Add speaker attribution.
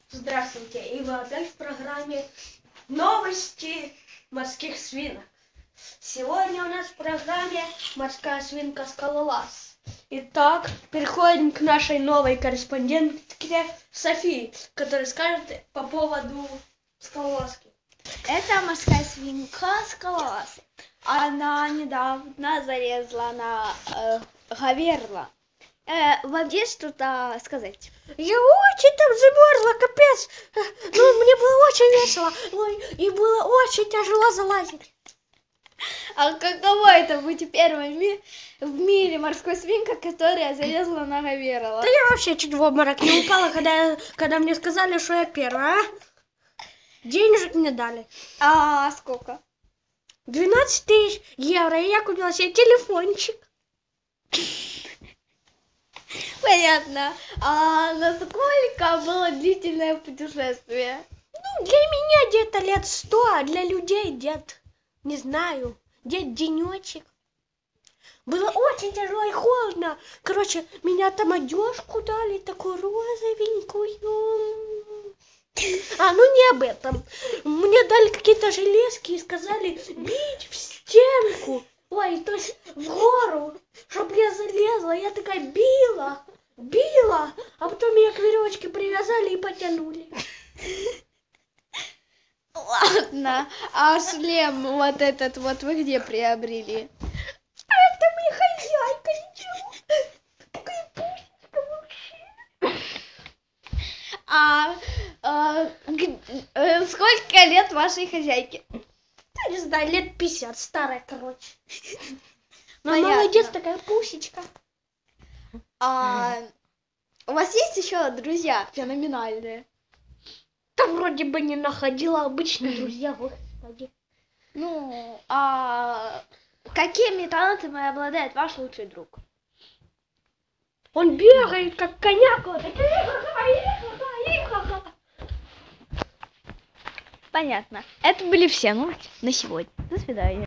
Speaker 1: Здравствуйте, и вы опять в программе «Новости морских свинок». Сегодня у нас в программе морская свинка Скалолаз. Итак, переходим к нашей новой корреспондентке Софии, которая скажет по поводу скалолазки.
Speaker 2: Это морская свинка Скалолаз. Она недавно залезла на гаверла. Вам есть что-то сказать?
Speaker 1: Я очень там замерзла, капец. Ну, мне было очень весело. Ой, и было очень тяжело залазить.
Speaker 2: А каково это быть первой в мире морской свинкой, которая залезла на гаверла?
Speaker 1: Да я вообще чуть в обморок не упала, когда мне сказали, что я первая. Денежек мне дали.
Speaker 2: А сколько?
Speaker 1: 12 000 евро, и я купила себе телефончик.
Speaker 2: Понятно. А насколько было длительное путешествие?
Speaker 1: Ну, для меня где-то лет 100, а для людей где-то, не знаю, где-то денечек. Было очень тяжело и холодно. Короче, меня там одежку дали, такую розовенькую. А, ну не об этом. Мне дали какие-то железки и сказали бить в стенку. Ой, то есть в гору, чтобы я залезла. Я такая била, а потом меня к веревочке привязали и потянули.
Speaker 2: Ладно. А шлем вот этот вот вы где приобрели?
Speaker 1: Это мне хозяйка, ничего. Такая пушечка вообще.
Speaker 2: Сколько лет вашей хозяйке?
Speaker 1: Я не знаю, лет 50, старая, короче. Но
Speaker 2: Понятно.
Speaker 1: молодец, такая пусечка.
Speaker 2: У вас есть еще друзья феноменальные?
Speaker 1: Да вроде бы не находила, обычные друзья, господи.
Speaker 2: Ну, какими талантами обладает ваш лучший друг?
Speaker 1: Он бегает, как коняк. Вот.
Speaker 2: Понятно. Это были все новости на сегодня. До свидания.